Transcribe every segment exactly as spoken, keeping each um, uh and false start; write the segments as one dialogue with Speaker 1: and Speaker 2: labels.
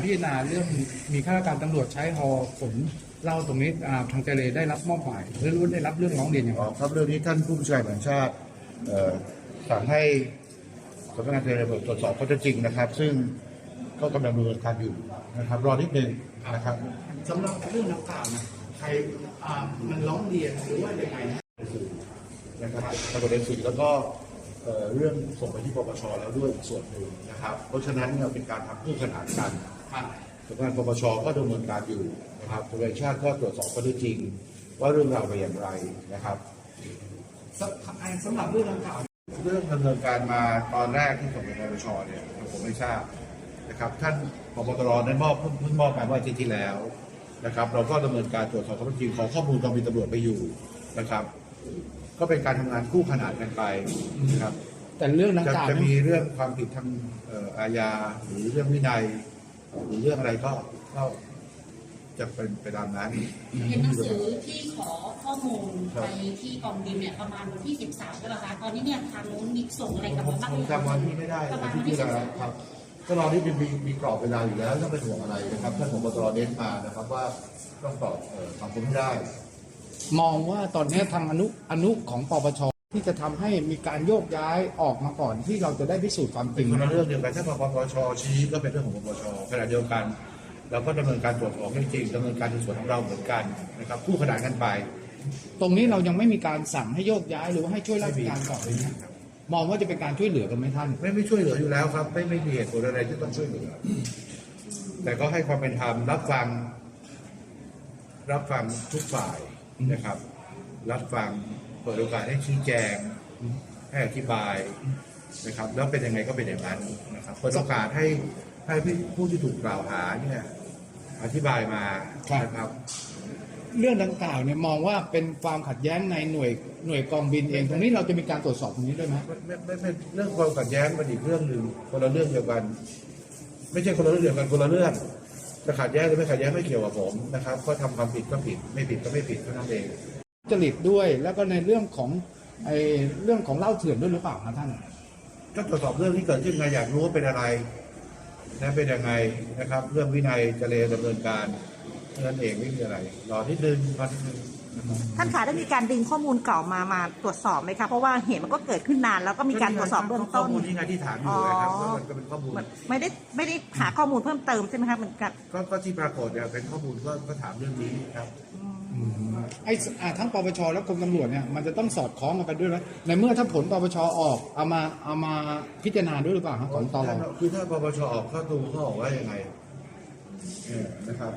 Speaker 1: พิจารณาเรื่องมีข้าราชการตำรวจใช้ฮอขนเหล้าตรงนี้ทางเจเลได้รับมอบหมายหรือรู้ได้รับเรื่องร้องเรียนอย่างไร
Speaker 2: ครับเรื่องนี้ท่านผู้บัญชาการแห่งชาติสั่งให้สำนักงานเจริญตรวจสอบข้อเท็จจริงนะครับซึ่งก็กำลังดำเนินการอยู่นะครับรอนิดนึงนะครับ
Speaker 1: สำหรับเรื่องดังกล่าวนะใครมันร้องเรียนหรือว่ายังไง
Speaker 2: นะครับทางประเด็นสื่อแล้วก็เรื่องส่งไปที่ปปชแล้วด้วยส่วนหนึ่งนะครับเพราะฉะนั้นเราเป็นการทำคู่ขนานกันสำนักงานปปชก็ดำเนินการอยู่นะครับตำรวจชาติก็ตรวจสอบข้อเท็จจริงว่าเรื่องราวเป็นอย่างไรนะครับ
Speaker 1: สำหรับเรื่องดังกล่าว
Speaker 2: เรื่องดำเนินการมาตอนแรกที่ส่งไปปปชเนี่ยผมไม่ทราบนะครับท่านผบ.ตร.นั้นมอบเพิ่งมอบไปเมื่ออาทิตย์ที่แล้วนะครับเราก็ดำเนินการตรวจสอบข้อเท็จจริงขอข้อมูลกองบินตำรวจไปอยู่นะครับก็เป็นการทำงานคู่ขนานกันไปนะครับ
Speaker 1: แต่เรื่องดังกล่าว
Speaker 2: จะมีเรื่องความผิดทางอาญาหรือเรื่องวินัยหรือเรื่องอะไรก็ก็จะเป็นไปตามนั้น
Speaker 3: เห็นหนังสือที่ขอข้อมูลไปที่กองบินเนี่ยประมาณวันที่สิบสามใช่ไหมคะตอนนี้เนี่ยทางนู้นมีส่งอะไรกลับมาบ้าง
Speaker 2: จำวันที่ไม่ได้วันที่ที่แล้วครับก็รอที่มีมีกรอบเวลาอยู่แล้วต้องเป็นห่วงอะไรนะครับท่านผบ.ตร.เน้นมานะครับว่าต้องตอบคำพูดได้
Speaker 1: มองว่าตอนนี้ทางอนุอนุของปปชที่จะทำให้มีการโยกย้ายออกมาก่อนที่เราจะได้พิสูจน์ความจริง
Speaker 2: เป็นเรื่องเดียวกันถ้าปปชชี้ก็เป็นเรื่องของปปชขณะเดียวกันเราก็ดำเนินการตรวจสอบจริงดำเนินการในส่วนของเราเหมือนกันนะครับคู่ขนานกันไป
Speaker 1: ตรงนี้เรายังไม่มีการสั่งให้โยกย้ายหรือว่าให้ช่วยราชการก่อนเลยนะมองว่าจะเป็นการช่วยเหลือกันไหมท่าน
Speaker 2: ไม่ไม่ช่วยเหลืออยู่แล้วครับไม่ไม่มีเหตุผลอะไรที่ต้องช่วยเหลือแต่ก็ให้ความเป็นธรรมรับฟังรับฟังทุกฝ่ายนะครับรับฟังเปิดโอกาสให้ชี้แจงให้อธิบายนะครับแล้วเป็นยังไงก็เป็นอย่างนั้นนะครับเปิดโอกาสให้ให้ผู้ที่ถูกกล่าวหาเนี่ยอธิบายมานะครับ
Speaker 1: เรื่องดังกล่าวเนี่ยมองว่าเป็นความขัดแย้งในหน่วยหน่วยกองบินเองตรงนี้เราจะมีการตรวจสอบตรงนี้ด้วยไหม
Speaker 2: ไม่ไม่ไม่เรื่องความขัดแย้งมันอีกเรื่องหนึ่งคนละเรื่องเดียวกันไม่ใช่คนละเรื่องเดียวกันคนละเรื่องจะขัดแย้งหรือไม่ขัดแย้งไม่เกี่ยวกับผมนะครับก็ทำความผิดก็ผิดไม่ผิดก็ไม่ผิดเท่านั้นเอง
Speaker 1: จริตด้วยแล้วก็ในเรื่องของไอ้เรื่องของเหล้าเถื่อนด้วยหรือเปล่าครับท่าน
Speaker 2: ก็ตรวจสอบเรื่องที่เกิดขึ้นไงอยากรู้ว่าเป็นอะไรนะเป็นยังไงนะครับเรื่องวินัยจะเลดำเนินการนั่นเองไม่มีอะไรรอนิดนึงรอนิดนึง
Speaker 4: ท่านคะได้มีการดึงข้อมูลเก่ามามาตรวจสอบไหมคะเพราะว่าเหตุมันก็เกิดขึ้นนานแล้วก็มีการตรวจสอบเบื้องต้น
Speaker 2: ข้อมูลที่ไงที่ถามอยู่นะครับมันก็เป็นข้อมูล
Speaker 4: ไม่ได้ไม่ได้หาข้อมูลเพิ่มเติมใช่ไหมครับเหมือนกัน
Speaker 2: ก็ที่ปรากฏเนี่ยเป็นข้อมูลก็ก็ถามเรื่องนี้ครับ
Speaker 1: ไอ้ทั้งปปชและกรมตำรวจเนี่ยมันจะต้องสอดคล้องกันด้วยไหมในเมื่อถ้าผลปปชออกเอามาเอามาพิจารณาด้วยหรือเปล่าครับของตล
Speaker 2: คือถ้าปปชออกข้อดูเขาบอกว่ายังไงนะครับ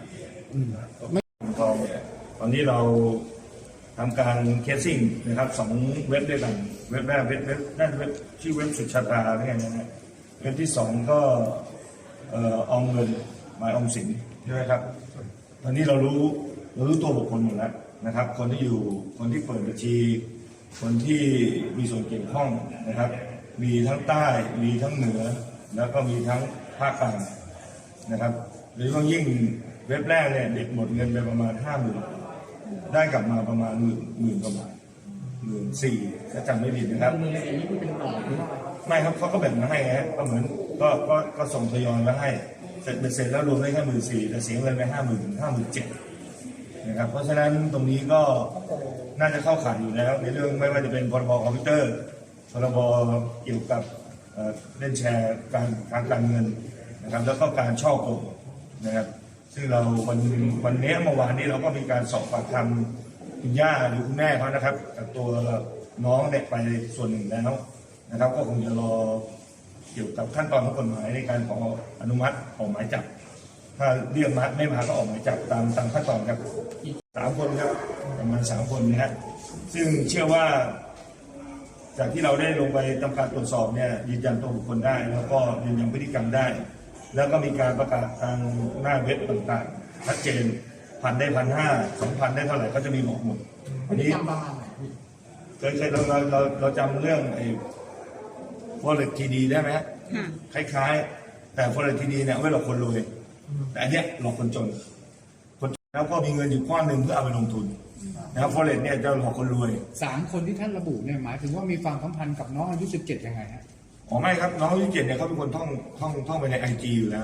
Speaker 5: ตอนนี้เราทำการเคสซิ่งนะครับสองเว็บด้วยกันเว็บแรกเว็บเว็บนั่นเว็บที่เว็บสุชาตาอะไรอย่างเงี้ยนะเว็บที่สองก็เอ่อออมเงินหมายออมสินใช่ไหมครับตอนนี้เรารู้เรารู้ตัวบุคคลหมดแล้วนะครับคนที่อยู่คนที่เปิดบัญชีคนที่มีส่วนเกี่ยวข้องนะครับมีทั้งใต้มีทั้งเหนือแล้วก็มีทั้งภาคกลางนะครับโดยเฉพาะยิ่งเว็บแรกเนี่ยเด็กหมดเงินไปประมาณห้าหมื่นได้กลับมาประมาณหมื่นหมื่นประมาณหมื่นสี่ถ้าจำไม่ผิดนะครับไม่ครับเขาก็แบ่งมาให้ฮะก็เหมือนก็ก็ก็ส่งทยอยมาให้เสร็จเสร็จแล้วรวมได้แค่หมื่นสี่แต่เสียเงินไปห้าหมื่นห้าหมื่นเจ็ดนะครับเพราะฉะนั้นตรงนี้ก็น่าจะเข้าข่ายอยู่แล้วในเรื่องไม่ว่าจะเป็นพรบคอมพิวเตอร์พรบเกี่ยวกับเล่นแชร์การการการเงินนะครับแล้วก็การช่อโกงนะครับซึ่งเราวันวันนี้เมื่อวานนี้เราก็มีการสอบปากคำคุณย่าหรือคุณแม่เขานะครับกับตัวน้องเด็กไปส่วนหนึ่งแล้วนะครับก็คงจะรอเกี่ยวกับขั้นตอนของกฎหมายในการขออนุมัติออกหมายจับถ้าเรียกมาไม่มาก็ออกหมายจับตามตามขั้นตอนครับสามคนครับประมาณสามคนนะฮะซึ่งเชื่อว่าจากที่เราได้ลงไปทำการตรวจสอบเนี่ยยืนยันตัวบุคคลได้แล้วก็ยืนยันพฤติกรรมได้แล้วก็มีการประกาศทางหน้าเว็บต่างๆชัดเจนพันได้พันห้าสองพันได้เท่าไหร่ก็จะมีบอกหมด
Speaker 1: อันนี้
Speaker 5: เคยเคยเราเราเราเราจำเรื่องไอ้ Forex ที ดี ได้ไหมฮะคล้ายๆแต่ Forex ที ดี เนี่ยไม่หลอกคนรวยแต่อันเนี้ยหลอกคนจนคนแล้วก็มีเงินอยู่ก้อนหนึ่งเพื่อเอาไปลงทุนนะครับ Forex เนี่ยจะหลอกคนรวย
Speaker 1: สามคนที่ท่านระบุเนี่ยหมายถึงว่ามีความสัมพันธ์กับน้องอายุสิบเจ็ดยังไงฮะ
Speaker 5: อ๋อไม่ครับน้องอายุเจ็ดเนี่ยเขาเป็นคนท่องท่องท่องไปในไอจีอยู่แล้ว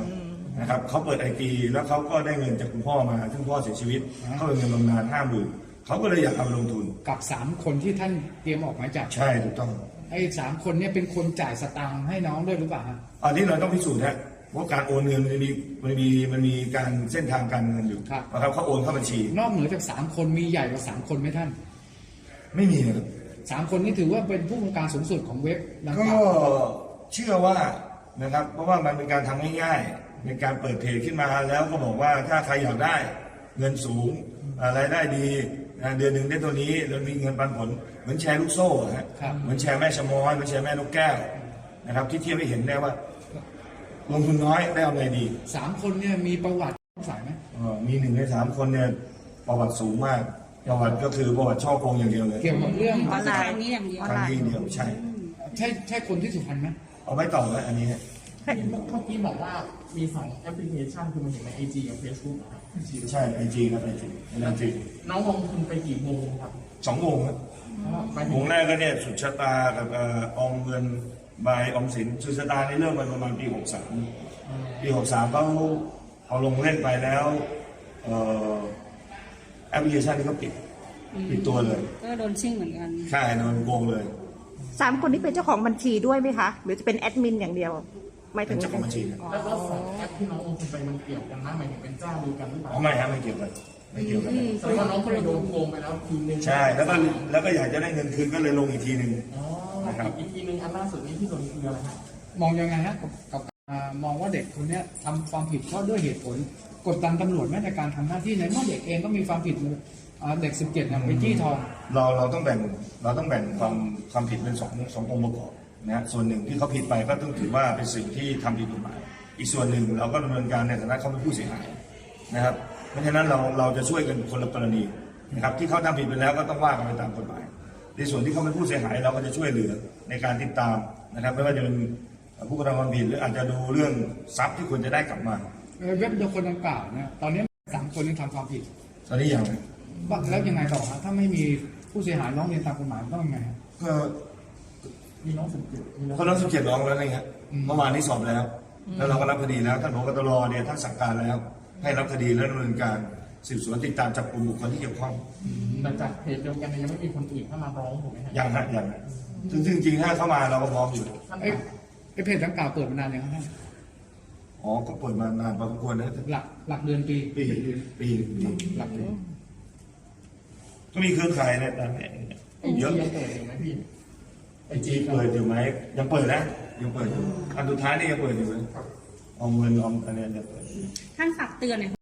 Speaker 5: นะครับเขาเปิดไอทีแล้วเขาก็ได้เงินจากคุณพ่อมาซึ่งพ่อเสียชีวิตเขาเป็นเงินบำนาญห้าหมื่นเขาก็เลยอยากเอาไปลงทุน
Speaker 1: กับสามคนที่ท่านเตรียมออกหมายจับ
Speaker 5: ใช่ถูกต้อง
Speaker 1: ไอ้สามคนเนี่ยเป็นคนจ่ายสตางค์ให้น้องด้วยหรือเปล่าฮะ
Speaker 5: อันนี้เราต้องพิสูจน์นะเพราะการโอนเงินมันมีมันมีมันมีการเส้นทางการเงินอยู่นะครับเขาโอนเข้าบัญชี
Speaker 1: นอกเหนือจากสามคนมีใหญ่กว่าสามคนไหมท่าน
Speaker 5: ไม่มีนะครับ
Speaker 1: สามคนนี้ถือว่าเป็นผู้บงการสูงสุดของเว็บดัง
Speaker 5: ก็
Speaker 1: กล่าว
Speaker 5: เชื่อว่านะครับเพราะว่ามันเป็นการทำง่ายๆเป็นการเปิดเพจขึ้นมาแล้วก็บอกว่าถ้าใครอยากได้เงินสูงรายได้ดีนะเดือนหนึ่งได้ตัวนี้แล้วมีเงินปันผลเหมือนแชร์ลูกโซ่อะฮะเหมือนแชร์แม่ชะมอยเหมือนแชร์แม่นกแก้วนะครับที่เทียบให้เห็นได้ว่า ลงทุนน้อยได้เอาอะไรดี
Speaker 1: สามคนเนี่ยมีประวัติสายไหม
Speaker 5: เอ่อมีหนึ่งในสามคนเนี่ยประวัติสูงมากประวัติก็คือประวัติช่อโกงอย่างเดียวเลย
Speaker 1: เกี่ยวกับเรื่อง
Speaker 4: ออนไลน์
Speaker 3: ครั้งนี้อย่างเดียว
Speaker 4: ออน
Speaker 5: ครั้
Speaker 4: ไล
Speaker 5: ง
Speaker 4: น์
Speaker 5: ที่เดียวใช่
Speaker 1: ใช่ใช่คนที่สุพรรณไหม
Speaker 5: เอาไว้ต่อแล้วอันนี้ฮะ
Speaker 6: เมื่อกี้บอกว่ามีสองแอปพลิเคชันคือมันเห็นในไอจีกับเฟซบุ๊กครับ
Speaker 5: ใช่ไอจีครับไอจีไอจี
Speaker 6: น้องลงทุนไปกี่โมงครับ
Speaker 5: สองวงครับ
Speaker 6: เพราะว่าหมายถึ
Speaker 5: ว
Speaker 6: ง
Speaker 5: งแรกก็เนี่ยสุดชะตากับเอ่อออมเงินบายออมสินสุดชะตานี่เริ่มมาประมาณปีหกสามปีหกสามเขาเอาลงเล่นไปแล้วเอ่อแอปพลิเคชันนี้ก็ปิดปิดตัวเลย
Speaker 3: ก็โดนชิ่งเหมือนกัน
Speaker 5: ใช่โดนโกงเลย
Speaker 4: สามคนนี้เป็นเจ้าของบัญชีด้วยไหมคะ หรือจะเป็นแอดมินอย่างเดียวไม่ถึ
Speaker 5: เป็น
Speaker 4: ง
Speaker 5: เจ้าของบัญชีนะ
Speaker 6: แล้วก็สองแอปที่น้องลงทุนไปมันเกี่ยวกันนะหมายถึงเป็นเจ้าเดียวกันหรือเปล่า
Speaker 5: อ๋อไม่ฮะไม่เกี่ยวกันไม่เกี่ยวกัน
Speaker 6: แสดงว่าน้องเคยโดนโกงไปแล้วทีนึง
Speaker 5: ใช่แล้วก็แล้วก็อยากจะได้เงินคืนก็เลยลงอีกทีหนึ่ง
Speaker 6: อ๋อ
Speaker 5: นะครับ
Speaker 6: อีกทีนึงอันล่าสุดนี้ที่โดนคืออะไรฮะ
Speaker 1: มองยังไงฮะกับกับอ่ามองว่าเด็กคนเนี้ยทำความผิดเพราะด้วยเหตุผล กดดันตำรวจแม้ในการทำหน้าที่ในเมื่อเด็กเองก็มีความผิดอ่าเด็กสิบเจ็ดเนี่ยไปจี้ทอง
Speaker 5: เราเราต้องแบ่งเราต้องแบ่งความความผิดเป็นสองสององค์ประกอบนะฮะส่วนหนึ่งที่เขาผิดไปก็ต้องถือว่าเป็นสิ่งที่ทำผิดกฎหมายอีกส่วนหนึ่งเราก็ดำเนินการในฐานะเขาเป็นผู้เสียหายนะครับเพราะฉะนั้นเราเราจะช่วยกันคนละกรณีนะครับที่เขาทำผิดไปแล้วก็ต้องว่ากันไปตามกฎหมายในส่วนที่เขาเป็นผู้เสียหายเราก็จะช่วยเหลือในการติดตามนะครับไม่ว่าจะเป็นผู้กระทำความผิดหรืออาจจะดูเรื่องทรัพย์ที่ควรจะได้กลับมา
Speaker 1: เอ่อเว็บเดียวคนดังกล่าวเนี่ยตอนนี้สามคนนี้ทำความผิด
Speaker 5: ตอนนี้อย่าง
Speaker 1: ว่าแล้วยังไงต่อฮะถ้าไม่มีผู้เสียหายร้องเรียนตามกฎหมายต้องยังไงฮะ
Speaker 5: ก็
Speaker 6: มีน้องสิบเจ็ดมีน้อง
Speaker 5: เขาต้องสิบเจ็ดร้องแล้วนี่ครับเมื่อวานนี้สอบแล้ว แล้วเราก็รับคดีแล้วท่านผบตรเนี่ยท่านสั่งการแล้ว ให้รับคดีและดำเนินการสืบสวนติดตามจับกลุ่มบุคคลที่เกี่ยวข้อง
Speaker 6: แต่จากเพจเดียวกันเนี่ยยังไม่มีคนอื่นเข้ามาร้องถูกไหมฮะ
Speaker 5: ยังฮะยังฮะซึ่งซึ่งจริงๆถ้าเข้ามาเราก็พร้อมอยู่
Speaker 6: ท่าน
Speaker 1: ไอ้ไอ้เพจดังกล่าวเปิดมานานยังครับท่าน
Speaker 5: อ๋อก็เปิดมานานพอสมควรนะ
Speaker 1: หลักหลักเดือนปี
Speaker 5: ปีปีปี
Speaker 1: หลักเดือน
Speaker 5: ก็มีเครือข่ายเนี่ยตามเนี่ย
Speaker 6: ไอจี
Speaker 5: เยอะ
Speaker 6: ยังเปิดอยู่ไหมพี่
Speaker 5: ไอจีเปิดอยู่ไหมยังเปิดนะยังเปิดอยู่อันสุดท้ายนี่ยังเปิดอยู่เลยเอาเงินเอาอันเนี้ยยังเปิด
Speaker 3: ท่านฝากเตือนหน่อย